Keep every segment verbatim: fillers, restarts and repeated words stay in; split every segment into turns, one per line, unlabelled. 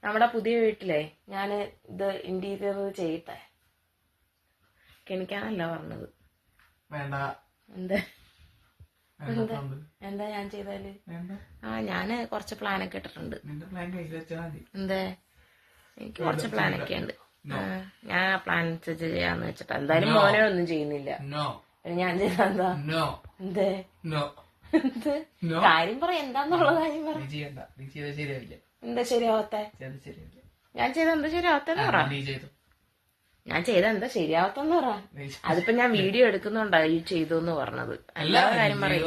നമ്മുടെ പുതിയ വീട്ടിലെ ഞാൻ ഇത് ഇന്റീരിയർ ചെയ്യട്ടെ. കെണിക്കാനല്ല പറഞ്ഞത്.
വേണ്ട.
എന്താ എന്താ എന്താ ഞാൻ ചെയ്താല്? ആ ഞാന് കുറച്ച് പ്ലാനൊക്കെ ഇട്ടിട്ടുണ്ട്. എന്താ എനിക്ക് കുറച്ച് പ്ലാനൊക്കെ ഉണ്ട്. ഞാൻ ആ പ്ലാൻ അനുസരിച്ച് ചെയ്യാന്ന് വെച്ചിട്ടാ. എന്തായാലും മോനെ ഒന്നും ചെയ്യുന്നില്ല. ഞാൻ ചെയ്താ എന്താ? എന്തേ കാര്യം പറ, എന്താന്നുള്ള കാര്യം പറ. എന്താ ശരിയാവത്തെ? ഞാൻ ചെയ്ത എന്താ ശരിയാവത്തെന്ന് പറ. ഞാൻ ചെയ്ത എന്താ ശരിയാവത്തെന്ന് പറ. അതിപ്പോ ഞാൻ വീഡിയോ എടുക്കുന്നുണ്ടാ ഈ ചെയ്തു എന്ന് പറഞ്ഞത്. അല്ലാതെ കാര്യം പറയൂ.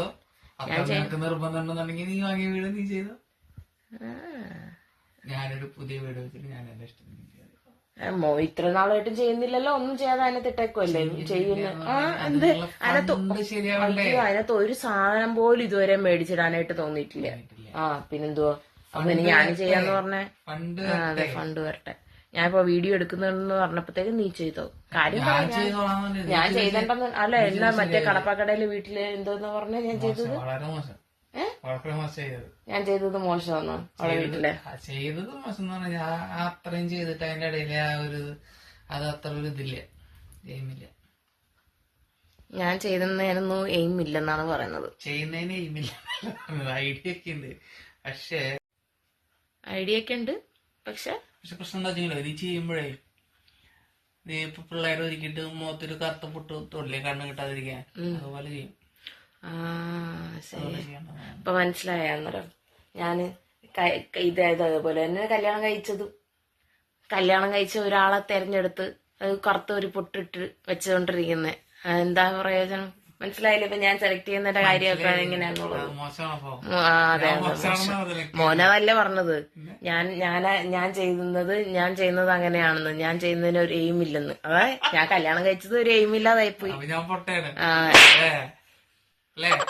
ഞാനൊരു പുതിയ വീട് വെച്ചിട്ട് ഞാൻ എന്റെ ഇഷ്ടം
മോ ഇത്ര നാളായിട്ടും ചെയ്യുന്നില്ലല്ലോ. ഒന്നും ചെയ്യാതെ അതിനകത്ത് ഇട്ടേക്കുമല്ലേ ചെയ്യുന്നു. ആ എന്ത് അതിനകത്ത് അതിനകത്ത് ഒരു സാധനം പോലും ഇതുവരെ മേടിച്ചിടാനായിട്ട് തോന്നിയിട്ടില്ല. ആ പിന്നെന്തുവാ അപ്പൊ ഇനി ഞാൻ ചെയ്യാന്ന് പറഞ്ഞേ. അതെ ഫണ്ട് വരട്ടെ. ഞാനിപ്പോ വീഡിയോ എടുക്കുന്നെന്ന് പറഞ്ഞപ്പോഴത്തേക്ക് നീ ചെയ്തോ കാര്യം. ഞാൻ ചെയ്തിട്ടെന്ന് അല്ല എന്നാ മറ്റേ കടപ്പാക്കടയില് വീട്ടില് എന്തോന്ന് പറഞ്ഞ ഞാൻ ചെയ്തത്. ഞാൻ ചെയ്തത് മോശമാണോ അവളെ വീട്ടിലെ?
ചെയ്തത് മോശം എന്ന് പറഞ്ഞാൽ അത്രയും ചെയ്തിട്ട് അതിന്റെ ഇടയിൽ ആ ഒരു അത് അത്ര ഒരു ഇതില്ല, എയിമില്ല.
ഞാൻ ചെയ്തെന്നൊന്നും എയിം ഇല്ലെന്നാണ് പറയുന്നത്.
ചെയ്യുന്നതിന് എയിമില്ല, ഐഡിയ ഒക്കെ ഉണ്ട്. പക്ഷേ
ഐഡിയ ഒക്കെ ഉണ്ട് പക്ഷെ
പക്ഷെ പ്രശ്നം എന്താ വെച്ചാൽ നീ ചെയ്യുമ്പോഴേ നീ ഇപ്പൊ പിള്ളേരെ ഒരുക്കിട്ട് മുഖത്തൊരു കറുത്ത പൊട്ട് തൊള്ളിയെ കണ്ണ് കിട്ടാതിരിക്കാൻ അതുപോലെ ചെയ്യും.
ആ ശരി, ഇപ്പൊ മനസ്സിലായ അന്നേരം ഞാന് ഇതായത് അതേപോലെ തന്നെ കല്യാണം കഴിച്ചതും കല്യാണം കഴിച്ച ഒരാളെ തെരഞ്ഞെടുത്ത് അത് കറുത്ത ഒരു പൊട്ടിട്ട് വെച്ചുകൊണ്ടിരിക്കുന്നത് എന്താ പ്രയോജനം? മനസ്സിലായില്ലേ? ഇപ്പൊ ഞാൻ സെലക്ട് ചെയ്യുന്നതിന്റെ കാര്യമൊക്കെ എങ്ങനെയാന്നുള്ളത്. അതെ മോനതല്ലേ പറഞ്ഞത്. ഞാൻ ഞാൻ ഞാൻ ചെയ്യുന്നത് ഞാൻ ചെയ്യുന്നത് അങ്ങനെയാണെന്ന്, ഞാൻ ചെയ്യുന്നതിന് ഒരു എയിം ഇല്ലെന്ന്. അതെ ഞാൻ കല്യാണം കഴിച്ചത് ഒരു എയിം ഇല്ലാതായിപ്പോയി. ആ